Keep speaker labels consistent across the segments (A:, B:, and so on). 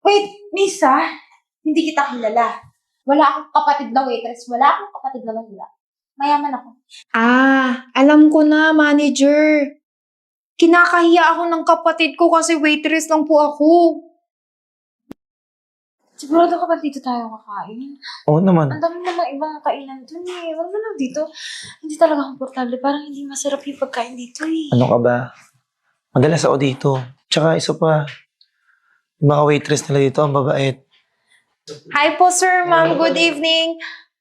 A: Wait, Misa, hindi kita kilala. Wala akong kapatid na waitress. Wala akong kapatid na mahila. Mayaman ako.
B: Alam ko na, manager. Kinakahiya ako ng kapatid ko kasi waitress lang po ako.
A: Sigurado ka ba dito tayo kakain?
C: Oo naman.
A: Ang dami namang ibang kainan dun eh. Huwag mo lang dito. Hindi talaga komportable. Parang hindi masarap yung pagkain dito eh.
C: Ano ka ba? Madalas ako dito. Tsaka isa pa, yung mga waitress nila dito, ang babait.
B: Hi po, sir, ma'am. Good evening.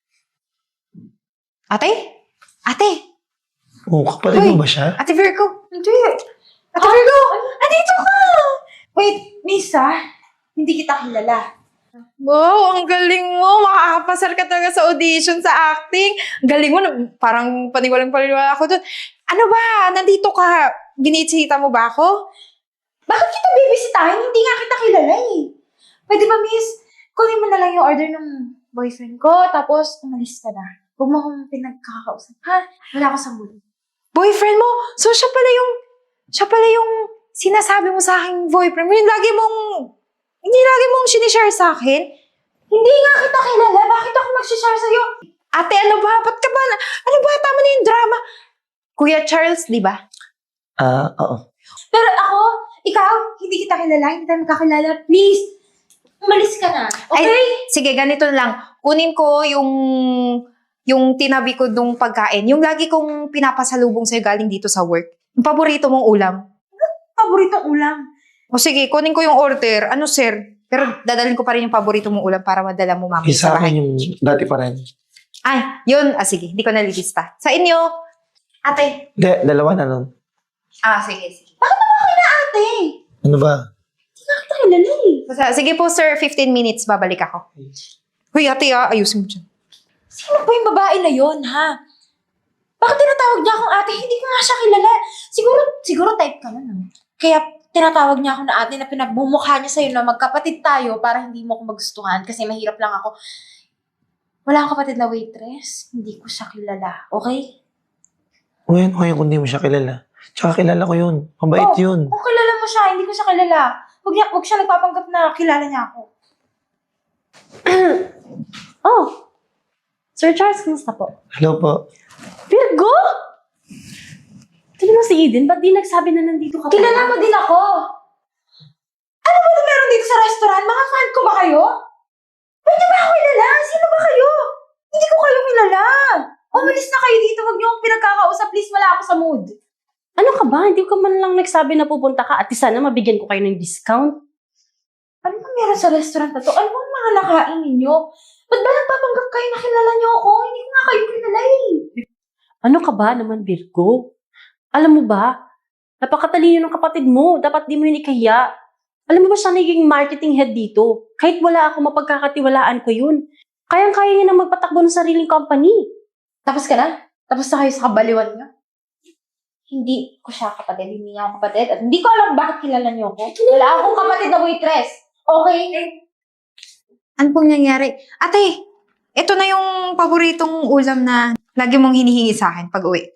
B: Ate? Ate?
C: Oo, kapatid
B: Uy.
C: mo ba siya?
B: Ate Virgo?
A: Hindi.
B: Ate Virgo! Andito ka!
A: Wait, Misa, hindi kita kilala.
B: Wow, ang galing mo. Makakapasar ka talaga sa audition, sa acting. Ang galing mo. Parang paniwalang-paniwala ako dun. Ano ba? Nandito ka. Binisita mo ba ako?
A: Bakit kita bibisitahin? Hindi nga kita kilala eh. Pwede ba, miss? Kunin mo na lang yung order ng boyfriend ko, tapos umalis ka na. Huwag mo akong pinagkakausap, ha? Wala ako sa mood.
B: Boyfriend mo? So, siya pala yung sinasabi mo sa aking boyfriend mo. Hindi lagi mong sinishare sa akin.
A: Hindi nga kita kilala. Bakit ako mag-share sa'yo?
B: Ate, ano ba? Ba't ka ba? Ano ba? Tama na yung drama. Kuya Charles, di ba?
C: Oo.
A: Pero ako, ikaw, hindi kita kilala. Hindi tayo magkakilala. Please, umalis ka na. Okay?
B: Ay, sige, ganito lang. Kunin ko yung tinabi ko nung pagkain. Yung lagi kong pinapasalubong sa'yo galing dito sa work. Yung paborito mong ulam.
A: Paboritong ulam.
B: O sige, kunin ko yung order. Ano, sir? Pero dadalhin ko pa rin yung paborito mong ulam para madala mo mamaya
C: Isa
B: sa
C: akin
B: bahay.
C: yung dati pa rin.
B: Ay, yun. Sige. Hindi ko nalilista. Sa inyo. Ate.
C: Hindi, dalawa na nun.
B: Sige.
A: Ate,
C: Ano ba?
A: hindi nga kita kilala eh.
B: Basta, sige po, sir. 15 minutes. Babalik ako. Hoy, ate, ayusin mo dyan.
A: Sino ba yung babae na yon, ha? Bakit tinatawag niya akong ate? Hindi ko nga siya kilala. Siguro type ka nun, no? Kaya tinatawag niya ako na ate na pinagmumukha niya sa'yo na magkapatid tayo para hindi mo ako magustuhan kasi mahirap lang ako. Wala akong kapatid na waitress. Hindi ko siya kilala. Okay?
C: Okay kung di mo siya kilala. Tsaka kilala ko yun. Mabait yun.
A: Kung kilala mo siya, hindi ko siya kilala. Huwag siya nagpapanggap na kilala niya ako.
D: Oh, Sir Charles, kumusta po?
C: Hello po.
D: Virgo? Tignan mo si Eden, ba't di nagsabi na nandito ka?
A: Kilala mo din ako. Ano ba na meron dito sa restaurant? Mga fan ko ba kayo? Pwede ba ako kilala? Sino ba kayo? Hindi ko kayo kilala. Umalis na kayo dito. Huwag niyo akong pinagkakausap. Please, wala ako sa mood.
D: Ano ka ba? Hindi ka man lang nagsabi na pupunta ka at sana mabigyan ko kayo ng discount.
A: Ano ba meron sa restaurant na to? Ano bang mga nakain ninyo? Ba't ba nagpapanggap kayo na kilala niyo ako? Hindi ko nga kayo kilala eh.
D: Ano ka ba naman, Virgo? Alam mo ba? Napakatalino ng kapatid mo. Dapat di mo yun ikahiya. Alam mo ba siya naging marketing head dito? Kahit wala ako, mapagkakatiwalaan ko yun. Kayang-kaya niya na magpatakbo ng sariling company.
A: Tapos ka na? Tapos na kayo sa kabaliwan niyo? Hindi ko siya kapatid. Hindi niya ako kapatid. At hindi ko alam bakit kilala niyo ako. Wala akong kapatid na waitress. Okay?
B: Ano pong nangyari? Ate, ito na yung paboritong ulam na lagi mong hinihingi sa akin pag uwi.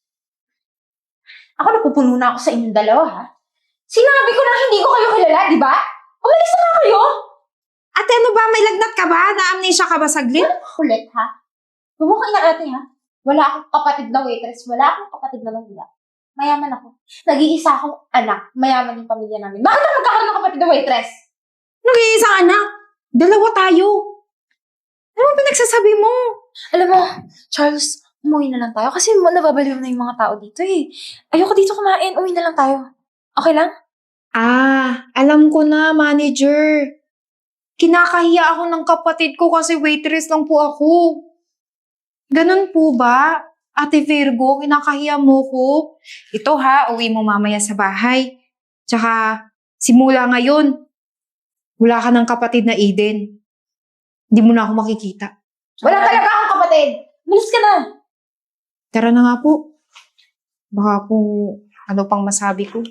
A: Ako napupuno na ako sa inyong dalawa, ha? Sinabi ko na hindi ko kayo kilala, di ba? Umalis na nga kayo!
B: Ate, ano ba? May lagnat ka ba? Na-amnesia ka ba saglit?
A: Kulit, ha? Bumukay na ate, ha? Wala akong kapatid na waitress. Wala akong kapatid na mahila. Mayaman ako. Nag-iisa akong anak. Mayaman yung pamilya namin. Bakit ako magkakaroon ng kapatid na waitress?
B: Nag-iisang anak. Dalawa tayo. Ano ba pinagsasabi mo?
A: Alam mo, Charles, umuwi na lang tayo kasi nababaliw na yung mga tao dito eh. Ayoko dito kumain. Uwi na lang tayo. Okay lang?
B: Alam ko na, manager. Kinakahiya ako ng kapatid ko kasi waitress lang po ako. Ganun po ba? Ate Virgo, kinakahiya mo ko? Ito ha, uwi mo mamaya sa bahay. Tsaka, simula ngayon, wala ka ng kapatid na Eden. Hindi mo na ako makikita.
A: Wala talaga akong kapatid. Malis ka na.
B: Tara na nga po. Baka po, ano pang masabi ko.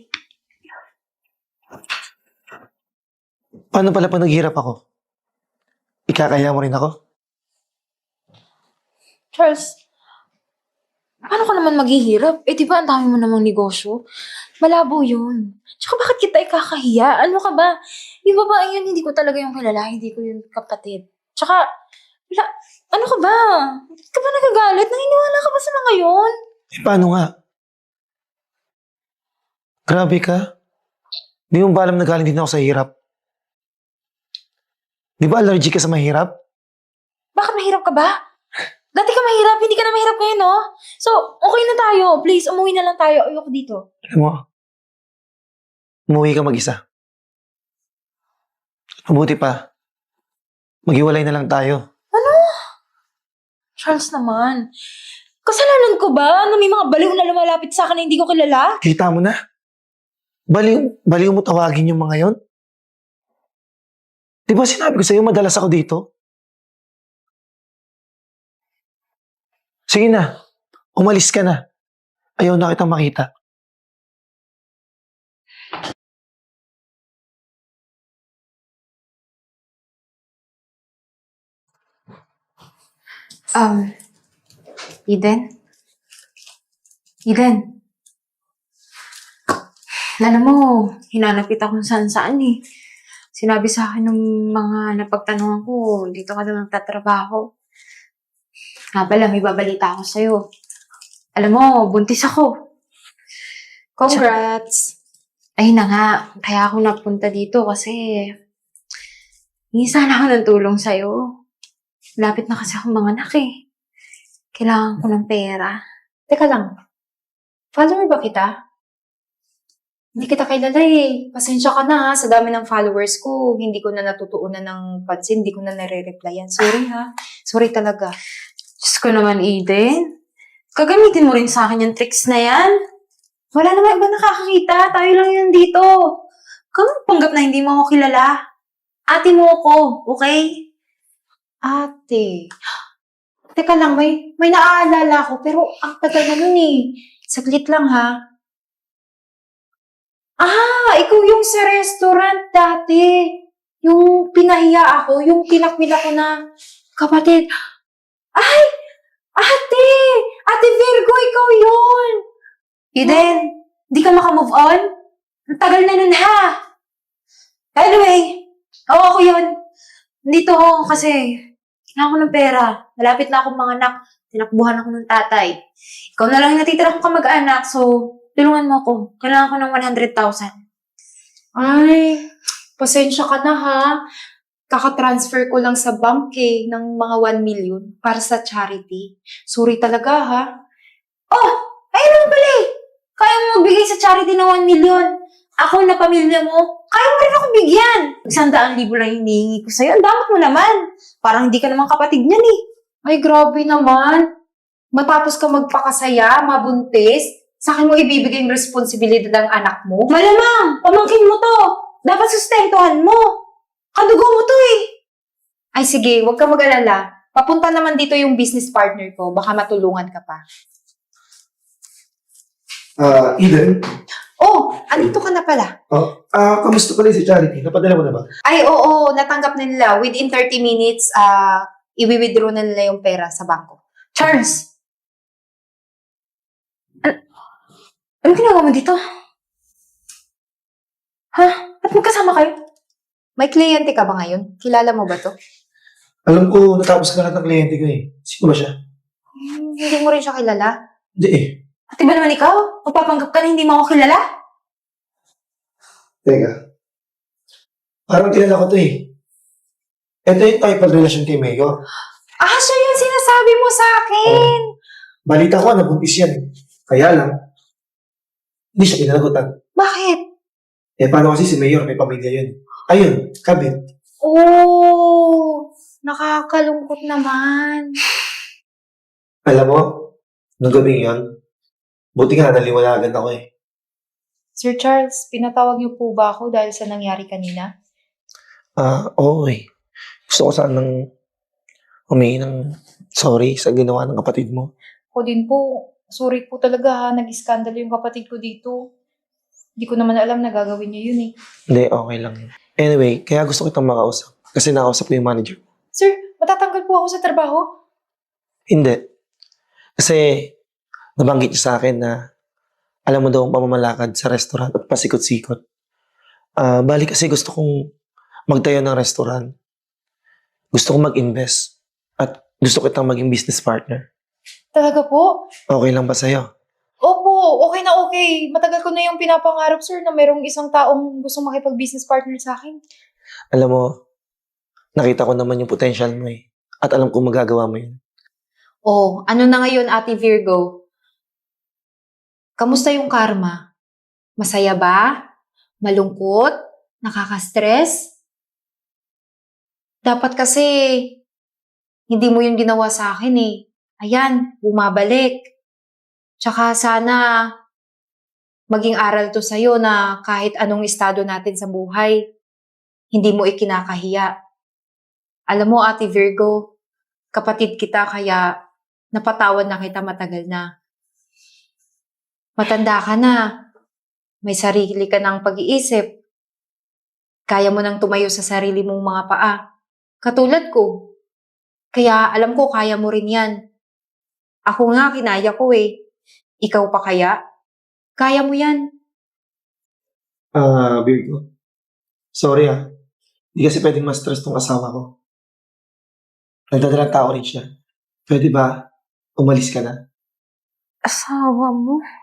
C: Paano pala pag naghirap ako? Ikakaya mo rin ako?
A: Charles, Paano ka naman maghihirap? Eh, di ba ang dami mo namang negosyo? Malabo yun. Tsaka bakit kita ikakahiya? Ano ka ba? Yung babae yun, hindi ko talaga yung kilala. Hindi ko yung kapatid. Tsaka, wala, ano ka ba? Bakit ka ba nagagalit? Naniniwala ka ba sa mga yun?
C: Eh, paano nga? Grabe ka. Di mo ba alam na galing din ako sa hirap? Di ba allergic ka sa mahirap?
A: Bakit mahirap ka ba? Dati ka mahirap, hindi ka na mahirap ngayon, no? So, okay na tayo. Please, umuwi na lang tayo. Ayoko dito.
C: Alam mo, umuwi ka mag-isa. Mabuti pa, maghiwalay na lang tayo.
A: Charles naman. Kasalanan ko ba na may mga baliw na lumalapit sa akin na hindi ko kilala?
C: Kita mo na. Baliw mo tawagin yung mga yon. Di ba sinabi ko sa'yo, madalas ako dito? Sige na, umalis ka na. Ayaw na kitang makita.
A: Eden? Eden? Alam mo, hinanap kita kung saan-saan eh. Sinabi sa akin ng mga napagtanungan ko, dito ka na magtatrabaho. Nga pala, may babalita ako sa'yo. Alam mo, buntis ako.
B: Congrats!
A: Ay na nga, kaya ako napunta dito kasi hingi sana ako ng tulong sa'yo. Lapit na kasi akong mga anak eh. Kailangan ko ng pera.
B: Teka lang, follower ba kita? Hindi kita kilala eh. Pasensya ka na ha, sa dami ng followers ko. Hindi ko na natutuunan ng pansin, hindi ko na nare-replyan. Sorry ha. Sorry talaga.
A: Diyos ko naman, Eden. Gagamitin mo rin sa akin yung tricks na yan. Wala naman iba nakakakita. Tayo lang yun dito. Kung panggap na hindi mo ako kilala. Ate mo ako, okay?
B: Ate. Teka lang, may naaalala ko, pero ang tagal na nun eh. Saglit lang ha. Ah, ikaw yung sa restaurant dati. Yung pinahiya ako, yung tinakwil ako na kapatid. Ay! Ate! Ate Virgo, ikaw yun!
A: Eden, di ka makamove on? Ang tagal na nun ha. Anyway, ako yun. Nandito ako kasi kailangan ko ng pera. Malapit na akong mga anak. Tinakbuhan ako ng tatay. Ikaw na lang yung natitira kong kamag-anak, so tulungan mo ako. Kailangan ko ng 100,000.
B: Ay, pasensya ka na ha. Kaka-transfer ko lang sa bank eh, ng mga 1 million para sa charity. Sorry talaga ha.
A: Oh! Ayun naman pala eh! Kaya mo magbigay sa charity ng 1 million. Ako na pamilya mo, kaya mo rin ako bigyan. 100,000 lang yung hinihingi ko sa'yo. Ang dapat mo naman. Parang hindi ka naman kapatid niyan eh.
B: Ay, grabe naman. Matapos ka magpakasaya, mabuntis, sa akin mo ibibigay yung responsibilidad ng anak mo?
A: Malamang, pamangkin mo to. Dapat sustentuhan mo. Kadugo mo to eh.
B: Ay sige, huwag ka mag-alala. Papunta naman dito yung business partner ko. Baka matulungan ka pa.
C: Eden?
B: Oh, andito ka na pala.
C: Kamusta pala si Charity? Napadala mo na ba?
B: Ay, oo, natanggap na nila. Within 30 minutes, i-withdraw na nila yung pera sa bangko.
A: Charles! Ano ginagawa mo dito? Ha? Ba't magkasama kayo?
B: May kliyente ka ba ngayon? Kilala mo ba to?
C: Alam ko, natapos ka lahat ng kliyente ko eh. Sino ba siya?
B: Hindi mo rin siya kilala.
C: Hindi eh.
A: Pati ba naman ikaw? Magpapanggap ka na hindi mo ako kilala?
C: Teka. Parang kilala ko to eh. Ito yung type of relasyon kay Mayor.
B: Ah, siya yung sinasabi mo sa akin!
C: Balita ko, nabuntis yan eh. Kaya lang, hindi siya pinanagutan.
B: Bakit?
C: Eh, paano kasi si Mayor, may pamilya yun. Ayun, kabit.
B: Oh, nakakalungkot naman.
C: Alam mo, nung gabing yun, buti nga naliwanagan ako eh.
B: Sir Charles, pinatawag niyo po ba ako dahil sa nangyari kanina?
C: Oo eh. Gusto ko sanang humingi ng sorry sa ginawa ng kapatid mo.
B: Ako din po, sorry po talaga ha, nag-iskandalo yung kapatid ko dito. Hindi ko naman alam na gagawin niya yun eh.
C: Hindi, okay lang yun. Anyway, kaya gusto kitang makausap. Kasi nakausap ko yung manager.
B: Sir, matatanggal po ako sa trabaho?
C: Hindi. Kasi nabanggit niya sa akin na alam mo daw ang pamamalakad sa restaurant at pasikot-sikot. Bali kasi gusto kong magtayo ng restaurant. Gusto kong mag-invest. At gusto kitang maging business partner.
B: Talaga po?
C: Okay lang ba sa'yo?
B: Opo, okay na okay. Matagal ko na yung pinapangarap, sir, na merong isang taong gustong makipag-business partner sa akin.
C: Alam mo, nakita ko naman yung potential mo eh. At alam kong magagawa mo yun.
B: Oh, ano na ngayon, Ate Virgo? Kamusta yung karma? Masaya ba? Malungkot? Nakaka-stress? Dapat kasi, hindi mo yung ginawa sa akin eh. Ayan, bumabalik. Tsaka sana, maging aral to sa'yo na kahit anong estado natin sa buhay, hindi mo ikinakahiya. Alam mo, Ate Virgo, kapatid kita kaya napatawad na kita matagal na. Matanda ka na. May sarili ka ng pag-iisip. Kaya mo nang tumayo sa sarili mong mga paa. Katulad ko. Kaya alam ko kaya mo rin yan. Ako nga, kinaya ko eh. Ikaw pa kaya? Kaya mo yan.
C: Virgo. Sorry Hindi kasi pwedeng ma-stress tong asawa ko. Nagdadalang tao rin siya. Pwede ba umalis ka na?
B: Asawa mo?